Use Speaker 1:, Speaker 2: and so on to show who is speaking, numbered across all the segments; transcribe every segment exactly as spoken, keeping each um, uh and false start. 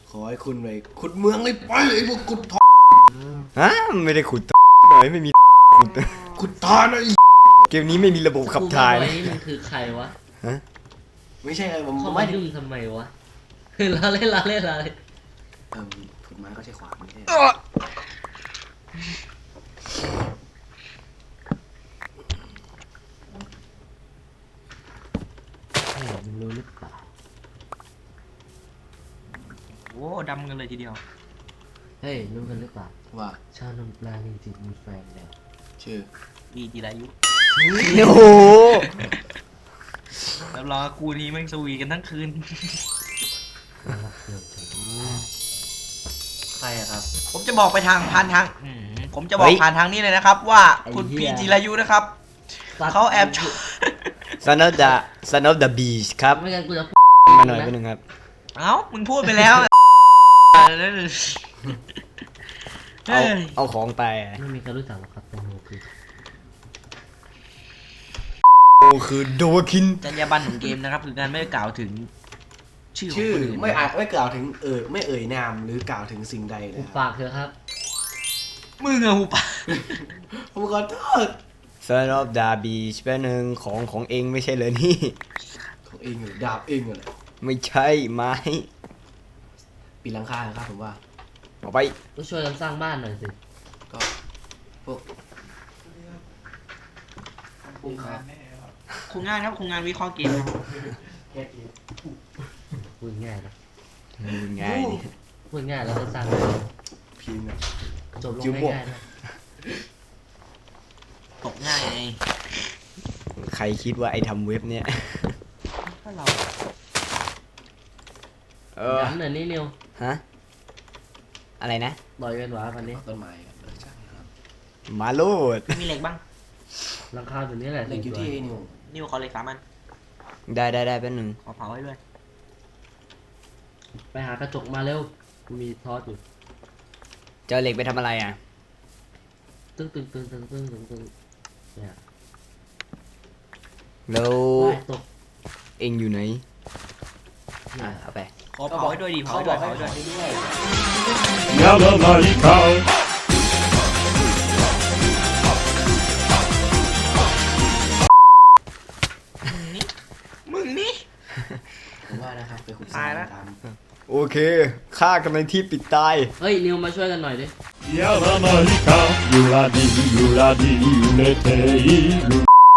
Speaker 1: ขอให้คุณไปขุดเมืองเลยไปไอ้พวกขุดทอง
Speaker 2: ฮะไม่ได้ขุดหน่อยไม่มีขุด
Speaker 1: ขุดทานไอ้
Speaker 2: เกมนี้ไม่มีระบบขับถ่าย
Speaker 3: ไว้
Speaker 2: นะ
Speaker 3: นี่มันคือใครวะ
Speaker 2: ฮะ
Speaker 1: ไม่ใช่ไงผม
Speaker 3: เข้า
Speaker 1: ไม่
Speaker 3: มายุ่งทำไมวะเราเล่นเราเล่นเราเล่น
Speaker 1: เอิ่มขุดไม้ก็ใช้ขวานไม่ใช่
Speaker 3: เฮ้ยมึงรู้หรือเปล่า
Speaker 4: โอ้ดำกันเลยทีเดียว
Speaker 3: เฮ้ยรู้กันหรือเปล่า
Speaker 1: ว่า
Speaker 3: ชาวนมปลาจริงๆมีแฟนแล้ว
Speaker 1: ชื่อ
Speaker 4: มีจีรายุ
Speaker 2: โอ้โห
Speaker 4: แล้วรอกูนี้แม่งสวีกันทั้งคืน
Speaker 3: น่ารักเกินจังใครอะครับ
Speaker 4: ผมจะบอกไปทางผ่านทางอืมผมจะบอกผ่านทางนี้เลยนะครับ ว่าคุณ
Speaker 3: ไอ้เหี้
Speaker 4: พี่
Speaker 3: ย
Speaker 4: จีรายุนะครับเขาแอบชอบ
Speaker 2: ซันอฟเดอะซันอฟเดอะบีชครับ
Speaker 3: ไม่งั้นกูจะ
Speaker 2: มาหน่อยไปหนึ่งครับ
Speaker 4: เอ้ามึงพูดไปแล้ว
Speaker 2: เอา
Speaker 4: เฮ้ย
Speaker 2: เอาของไป
Speaker 3: ไม่มีใครรู้จักหรอกครับแตงโมคือ
Speaker 2: โอ้คือโดคิน
Speaker 4: จรรยาบรรณของเกมนะครับคือการไม่กล่าวถึงชื่อของ
Speaker 1: ชื่อ
Speaker 4: คนอื่น
Speaker 1: ไม่อาจไม่กล่าวถึงเอ่ยไม่เอ่ยนามหรือกล่าวถึงสิ่งใด
Speaker 3: กู
Speaker 1: นะค
Speaker 3: ปา
Speaker 1: รับ
Speaker 3: กเถอะครับ
Speaker 4: มึงอะหูปะ
Speaker 1: ผมขอโทษ
Speaker 2: ซันอฟเดอะบีชเป็นหนึ่งของของเองไม่ใช่เลยนี่
Speaker 1: ของเองเหรอดาบเองเหรอ
Speaker 2: ไม่ใช่ไม้
Speaker 1: ปีนหลังคาครับผมว่า
Speaker 2: เอาไป
Speaker 3: ก็ช่วยกันสร้างบ้านหน่อยสิ
Speaker 1: ก็พวกพวกครับ
Speaker 4: โครงงานครับโครงงานวิเคราะห์เกมครับ
Speaker 3: พูดง่ายนะ
Speaker 2: ง่ายนี่
Speaker 3: พูดง่ายแล้วก็สร้างบ้าน
Speaker 1: พิมพ์นะ
Speaker 3: จบลง
Speaker 1: จิ้วบวก
Speaker 3: ง่ายๆนะ
Speaker 4: ตกง่ายไง
Speaker 2: ใครคิดว่าไอ้ทำเว็บเนี่ย
Speaker 4: ถ้าเรา
Speaker 2: เออ
Speaker 3: ย้ำหน่อยนี่นิว
Speaker 2: ฮะอะไรนะ
Speaker 3: ต่อยกันหวาวันนี้
Speaker 1: ต้นไม้ครับใช่ครับ
Speaker 2: มาโลด
Speaker 4: มีเหล็กบ้าง
Speaker 3: หลังคาตัวนี้แหละ
Speaker 1: เหล็กอยู่ที่ไอ้นิว
Speaker 4: นิวขอเหล็กสามอัน
Speaker 2: ได้ได้ได้เป็นหนึ่ง
Speaker 4: ขอเผาให้ด้วย
Speaker 3: ไปหากระจกมาเร็วกูมีทอสอยู่
Speaker 2: จะเอาเหล็กไปทำอะไรอ่ะ
Speaker 3: ตึ้งตึ้งตึ้งตึ้งตึ้งตึ้งตึ้งเนี่ย
Speaker 2: แล้ว
Speaker 3: ว้ายตก
Speaker 2: เองอยู่ไหน
Speaker 3: เนี่
Speaker 2: อ่ะ
Speaker 3: ย
Speaker 2: เอาไป
Speaker 4: ขอเผาให้ด้วยดิเผาให้ด้วยเผาให้ด้วย
Speaker 1: ด้วย
Speaker 5: Yalla Marika.
Speaker 4: มึงนี่
Speaker 1: ผมว่านะครับไปขุด
Speaker 4: ตายละ
Speaker 1: ตาม
Speaker 2: โอเคฆ่ากันในที่ปิดตาย
Speaker 3: เฮ้ยนิวมาช่วยกันหน่อยดิ
Speaker 5: Yalla Marika. Yuladi, yuladi, yuleteilu.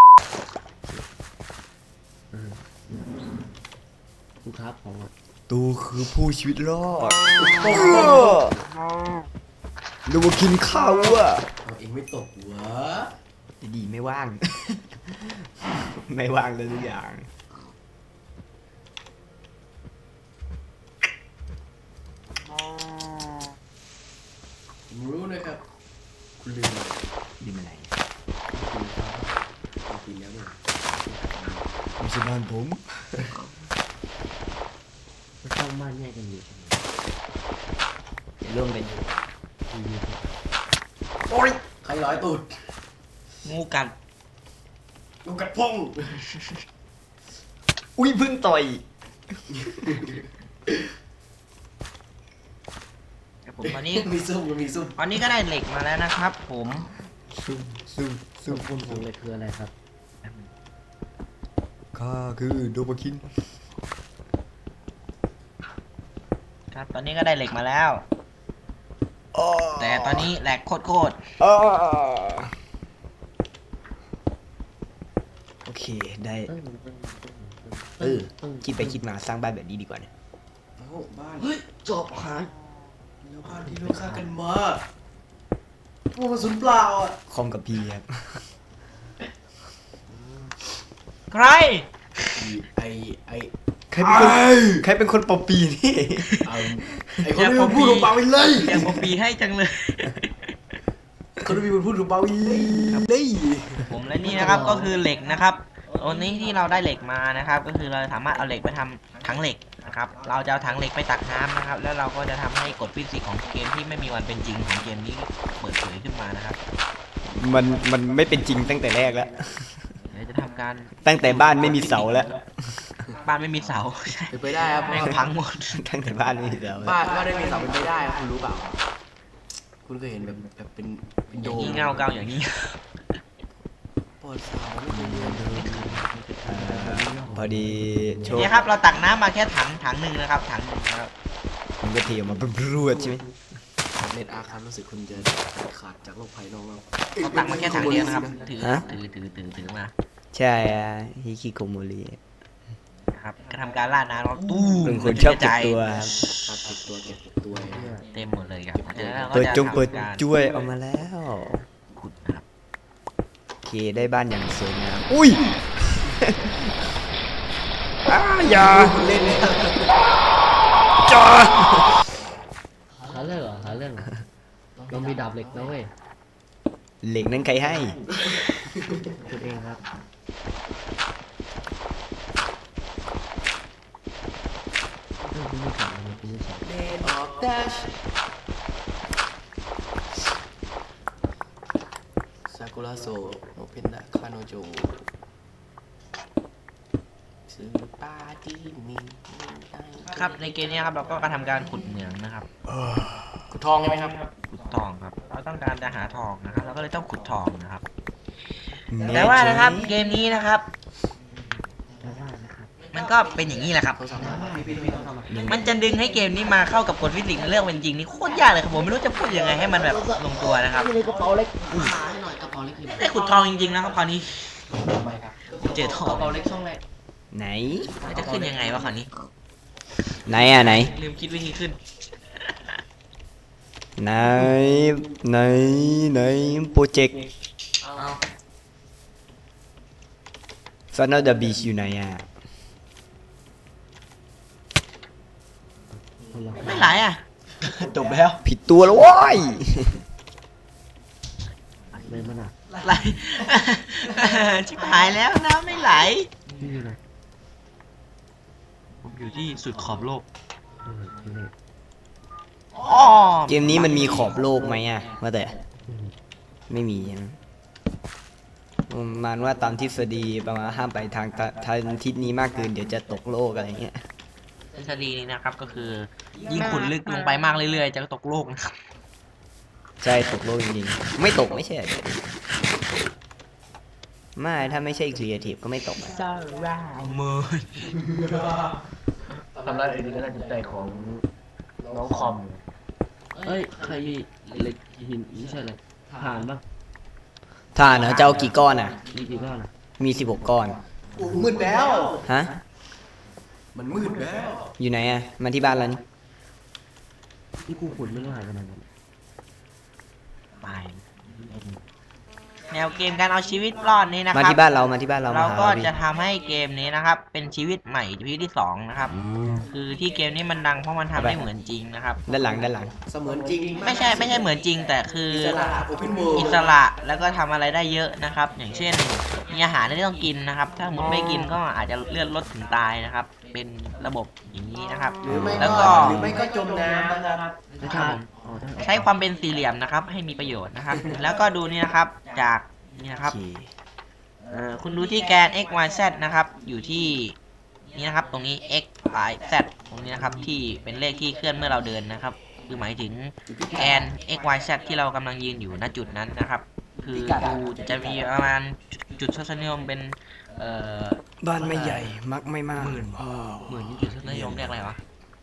Speaker 3: กูครับของอ่ะ
Speaker 2: ตูคือผู้ชีวิตรอดดูว่ากินข้าวอ่ะ
Speaker 1: เอาเองไม่ตกหัว
Speaker 2: ดีๆไม่ว่าง ไม่ว่างเลยทุกอย่าง
Speaker 1: ผมรู้นะครับ คุณลืมอะไร
Speaker 2: ดีมาไหน
Speaker 1: คุณปีนแล้วเนี่ย
Speaker 2: ไม่ใช่บ้านผม
Speaker 3: มันสร้างบ้านแยกกันอยู่
Speaker 2: ร่วมเป็น
Speaker 1: โอ๊ยใครร้อยตูด
Speaker 4: งูกัด
Speaker 1: ลูกกัดพง
Speaker 2: อุ้ยเพิ่งต่อย
Speaker 4: แต่ผมตอนนี้
Speaker 1: มีซุ่มมีซุ่ม
Speaker 4: ตอนนี้ก็ได้เหล็กมาแล้วนะครับ ผม
Speaker 2: ซุ่มซุ่มซุ่ม
Speaker 3: คุณของเลยคืออะไรครับ
Speaker 2: ข้าคือโดบาคิน
Speaker 4: ครับ ตอนนี้ก็ได้เหล็กมาแล้ว
Speaker 2: อ้อ
Speaker 4: แต่ตอนนี้แหลกโคตร
Speaker 2: อ้อโอเคได้ เออ คิดไปคิดมาสร้างบ้านแบบนี้ดีกว่าเนี่ย
Speaker 1: เอ้าบ้าน
Speaker 3: เฮ้ยจอบหาย
Speaker 1: แล้วบ้านที่เราสร้างกันมาพวกกระสุนเปล่าอ่ะ
Speaker 2: คอมกับพีครับ
Speaker 4: ๆใคร
Speaker 1: ไอไอ
Speaker 2: ใครเป็นคนใครเป็นคนปอปีนี่
Speaker 1: เอาไอคนที่มันพูดถูกเปล่าไปเลย
Speaker 4: อยากผมปีให้จังเลย
Speaker 1: คนที่มันพูดถูกเปล่าไปเลย
Speaker 4: ผมและนี่นะครับก็คือเหล็กนะครับวันนี้ที่เราได้เหล็กมานะครับ ก็คือเราสามารถเอาเหล็กไปทำถังเหล็กนะครับ เราจะเอาถังเหล็กไปตักน้ำนะครับ แล้วเราก็จะทำให้กฎฟิสิกส์ของเกมที่ไม่มีวันเป็นจริงของเกมนี้เปิดเผยขึ้นมานะครับ
Speaker 2: มันมันไม่เป็นจริงตั้งแต่แรกแล้ว
Speaker 4: เดี๋ยวจะทำการ
Speaker 2: ตั้งแต่บ้านไม่มีเสาแล้ว
Speaker 4: บ้านไม่มีเสา ใช่
Speaker 1: เป็นไปได้ครับ
Speaker 4: แม่งพังหมด
Speaker 2: ทั้งแต่บ้านไม่มีเสา
Speaker 1: บ้านบ้านได้มีเสาเป็นไปได้ครับคุณรู้เปล่าคุณเคยเห็นแบบแบบเป็นเป็น
Speaker 4: อ
Speaker 1: โด
Speaker 4: ย่าง
Speaker 1: ม
Speaker 4: นี้เงาเกาอย่างนี้
Speaker 1: ปอดเสาไม่เคยเรียนเลย
Speaker 2: พอดีโชค
Speaker 4: เนี่ยครับเราตักน้ำมาแค่ถังถังหนึ่งนะครับถังหนึ่งนะครับ
Speaker 2: มันก็เทออกมาบรวดใช่ไหม
Speaker 1: เน็ตอาร์คันรู้สึกคุณจะขาดจากโลกภายนอกแล้ว
Speaker 4: เราตักมาแค่ถังเดียวนะครับถือถือถือถือถือมา
Speaker 2: ใช่อะฮิคิโกโมริ
Speaker 4: นะครับก็ทำการล่าน้ำเราตู้
Speaker 2: เป็นคนชอบเก็บตัว
Speaker 1: ตัดติดตัวเก็บตัวเนี่ย
Speaker 4: เต็มหมดเลยครับจากนั้นเราก็
Speaker 2: เปิด
Speaker 4: จะ
Speaker 2: จงเปิด
Speaker 4: ทำการ
Speaker 2: จ้วยออกมาแล้ว
Speaker 4: ขุดนะครับ
Speaker 2: โอเคได้บ้านอย่างสวยงามอุ้ย อ้าอย่า
Speaker 1: เล่นเลย
Speaker 2: จ้า
Speaker 3: หาเรื่องเหรอหาเรื่องเหรอเรามีดาบเหล็กนะเว้ย
Speaker 2: เหล็กนั้นใครให้
Speaker 3: คุณเองครับเรื่องที่ไม่สอนเลยที่ไม่สอน
Speaker 1: เดนออฟดัชซากุระโซโอเพนดะคาโนโจซื้อปาที่มี
Speaker 4: ครับในเกมนี้ครับเราก็กระทำการขุดเหมืองนะครับ
Speaker 1: ขุดทองใช่ไหมครับ
Speaker 4: ขุดทองครับเราต้องการจะหาทองนะครับเราก็เลยต้องขุดทองนะครับ แต่ว่านะครับเกมนี้นะครับ
Speaker 3: แล้วว่านะครับ
Speaker 4: มันก็เป็นอย่างนี้แหละครับ
Speaker 1: เขาสามารถพี่พี่พี่ต้องทำอะไร
Speaker 4: มันจะดึงให้เกมนี้มาเข้ากับกฎฟิสิกส์ในเรื่องเป็นจริงนี่โคตรยากเลยครับผมไม่รู้จะพูดยังไงให้มันแบบลงตัวนะครับ
Speaker 3: นี่เลยกระเป๋าเล็ก
Speaker 1: หาให้หน่อยกระเป๋าเล็กคือ
Speaker 4: ได้ขุดทองจริงๆนะครับคราวนี้เจอทอก ง
Speaker 1: ระเป๋าเล็กช่องแรก
Speaker 2: ไหน
Speaker 4: แล้วจะขึ้นยังไงวะคราวนี้
Speaker 2: ไหนอ่ะไหน
Speaker 4: ลืมคิดวิธีขึ้น
Speaker 2: ไหน ไหน ไหน โปรเจกต์ ซันนอร์เดอะบีชอยู่ไหนอ่ะ
Speaker 3: คนละ
Speaker 4: ไม่ไหลอ่ะ
Speaker 2: จบแล้ว ผิดตัวแล้วโว้ย
Speaker 3: เลยมันอ่ะ
Speaker 4: ไหล ชิบหายแล้วน้ำไม่ไหล
Speaker 3: ที่อยู่ไหน
Speaker 4: ผมอยู่ที่สุดขอบโลก
Speaker 3: เออที่นี่
Speaker 4: อ๋อ
Speaker 2: เกมนี้มันมีขอบโลกไหมอ่ะว่าแต่
Speaker 3: อืม
Speaker 2: ไม่มีนะประมาณว่าตามทฤษฎีประมาณห้ามไปทางตะทางทิศนี้มากเกินเดี๋ยวจะตกโลกอะไรเงี้ย
Speaker 4: ทฤษฎีนี้นะครับก็คือ ยิ่งขุดลึกลงไปมากเรื่อยๆ จะตกโลกนะครับ
Speaker 2: ใช่ตกโลกจริงๆ ไม่ตกไม่ใช่เหรอไม่ถ้าไม่ใช่ครีเอทีฟก็ไม่ตกอะ
Speaker 4: มือ
Speaker 3: ทำร้ายเอ็นก็ได้จิตใจของน้องคอมเอ้ยใครเหล็กหินไม่ใช่เลยผ่านปะ
Speaker 2: ถ้าเนอะจะเอากี่ก้อนอ่ะ
Speaker 3: มีกี่ก้อนอ่ะ
Speaker 2: มีสิบหกก้อน
Speaker 1: โอ้มืดแล้ว
Speaker 2: ฮะ
Speaker 1: มันมืดแล้ว
Speaker 2: อยู่ไหนอ่ะ มาที่บ้านแล้วนี่
Speaker 3: ที่กูขุดไม่รู้หายไปไหนหมด
Speaker 4: ไปแนวเกมการเอาชีวิตรอดนี้นะค
Speaker 2: มา
Speaker 4: รับ
Speaker 2: ที่บ้านเรา มาที่บ้านเรา
Speaker 4: เรา
Speaker 2: มาหา
Speaker 4: ก็
Speaker 2: เราดิ
Speaker 4: จะทำให้เกมนี้นะครับ เป็นชีวิตใหม่ชีวิตที่สองนะครับ คือที่เกมนี้มันดังเพราะมันทำได้เหมือนจริงนะครับ
Speaker 2: ด้านหลังด้านหลัง
Speaker 1: เสมือนจริง
Speaker 4: ไม่ใช่ไม่ใช่เหมือนจริง แต่คือ
Speaker 1: อิสระโอเพนเวิลด์
Speaker 4: อิสระแล้วก็ทำอะไรได้เยอะนะครับ อย่างเช่นมีอาหารที่ต้องกินนะครับ ถ้าสมมติไม่กินก็อาจจะเลือดลดถึงตายนะครับ เป็นระบบอย่างนี้นะครับ
Speaker 1: หรือไม่
Speaker 4: แล้ว
Speaker 1: ก็
Speaker 4: ก็
Speaker 1: หรือไม่ก็จมน้ำนะครับ
Speaker 3: ไม่
Speaker 4: ครั
Speaker 3: ใช่
Speaker 4: บผม
Speaker 3: อ๋อได้
Speaker 4: ใช้ความเป็นสี่เหลี่ยมนะครับ ให้มีประโยชน์นะครับ แล้วก็ดูนี่นะครับจากนี่นะครับ
Speaker 2: โอเค
Speaker 4: เอ่อคุณดูที่แกน x y z นะครับ อยู่ที่นี่นะครับ ตรงนี้ x y z ตรงนี้นะครับ ที่เป็นเลขที่เคลื่อนเมื่อเราเดินนะครับ คือหมายถึงแกน x y z ที่เรากำลังยืนอยู่ณจุดนั้นนะครับ คือดูจะมีประมาณจุดทศนิยมเป็นเอ่อ
Speaker 2: บ้านไม่ใหญ่ มักไม่มาก
Speaker 4: หมื่นจุดทศนิยมเรียกอะไรวะ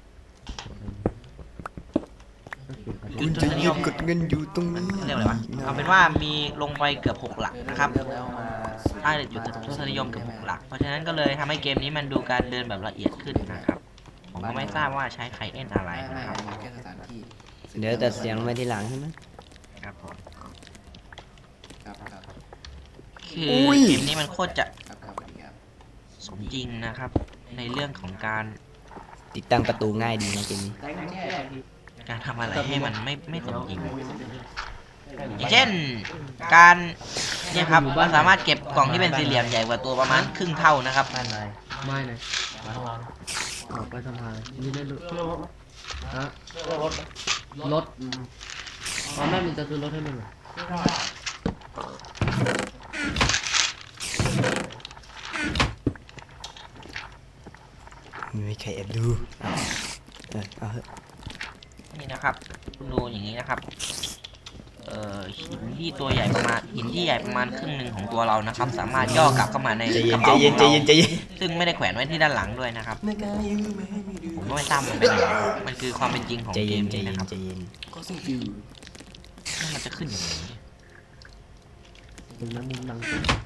Speaker 3: ก็คือประเด็น
Speaker 2: คุณจะยืนกดเงินอยู่ตรงนี้
Speaker 4: เรียกอะไรวะเอาเป็นว่ามีลงไปเกือบหกหลักนะครับ
Speaker 1: เริ่มแล้วมา
Speaker 4: ได้จุดทศนิยมเกือบหกหลัก เพราะฉะนั้นก็เลยทำให้เกมนี้มันดูการเดินแบบละเอียดขึ้นนะครับ ผมก็ไม่ทราบว่าใช้ไคเอ็นอะไร
Speaker 1: ไม่ไม่
Speaker 4: นะครับ
Speaker 1: ไม่แค่สถานที่
Speaker 2: เดี๋ยวแต่เสียงลงไปทีหลังใช่ไหม
Speaker 4: ครับผม
Speaker 1: ครับครับ
Speaker 4: คือ
Speaker 2: อุ้ย
Speaker 4: เกมนี้มันโคตรจะ
Speaker 1: ครับครับสวัสดีครับ
Speaker 4: สมจริงนะครับ ในเรื่องของการ
Speaker 2: ติดตั้งประตูง่ายดีนะเกมนี้
Speaker 1: แจ้งแจ้ง
Speaker 4: การทำอะไรให้มันไม่ไม่สมจริง อย่างเช่นการเนี่ยครับเราสามารถเก็บกล่องที่เป็นสี่เหลี่ยมใหญ่กว่าตัวประมาณครึ่งเท่านะครับ
Speaker 3: บ้านไหนไม่ไหนออกไปทำงานนี่ได้รถฮะรถตอนแม่มึงจะซื้อรถให้มึงเหรอ
Speaker 2: รแอบดูเอาเออเอาเถอะ
Speaker 4: นี่นะครับดูอย่างนี้นะครับเอ่อหินที่ตัวใหญ่ประมาณหินที่ใหญ่ประมาณครึ่งหนึ่งของตัวเรานะครับ สามารถย่อกลับเข้ามาใน
Speaker 2: ใจ
Speaker 4: ก
Speaker 2: เย็น
Speaker 4: ระ
Speaker 2: ใจ
Speaker 4: เป๋าข
Speaker 2: เย็น
Speaker 4: อง
Speaker 2: ใจ
Speaker 4: เรา
Speaker 2: เย็นใจเย็น
Speaker 4: ซึ่งไม่ได้แขวนไว้ที่ด้านหลังด้วยนะครับ
Speaker 1: ในการยืมไม่ให้มีดื่ม
Speaker 4: ผมก็ไม่ทราบมันเป็นอะไรมันคือความเป็นจริงของ
Speaker 2: ใจ
Speaker 4: เก
Speaker 2: เย็น
Speaker 4: ม
Speaker 2: ใจ
Speaker 4: นี้
Speaker 2: เย็
Speaker 4: นะ
Speaker 2: น
Speaker 4: ครับ
Speaker 2: ใจเย็น
Speaker 1: ก็สิ่งฟิว
Speaker 4: แล้วมันจะขึ้นอย่างไรเนี่ย
Speaker 3: ตรงนั้นมุมดัง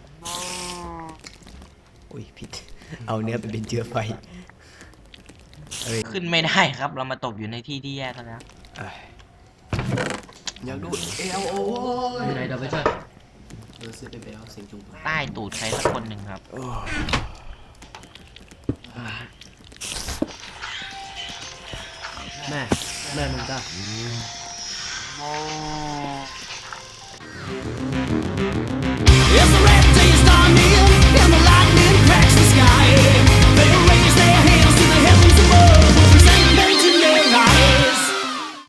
Speaker 2: โอ้ยผิดเอาเนื้อไปเป็นเชื้อไฟเอ้ย
Speaker 4: ขึ้นไม่ได้ครับ เรามาตกอยู่ในที่ที่แยกกันแล้ว
Speaker 2: เอ้ย
Speaker 1: อยากดูเอลโอ้
Speaker 3: อย ยู่ไหนเดี๋ยวไปช่วย
Speaker 1: เออซื้อไปแล้วเสียงจุ๊บ
Speaker 4: ใต้ตูดใครสักคนหนึ่งครับ
Speaker 2: โอ้
Speaker 3: แม่แม่มึงจ้า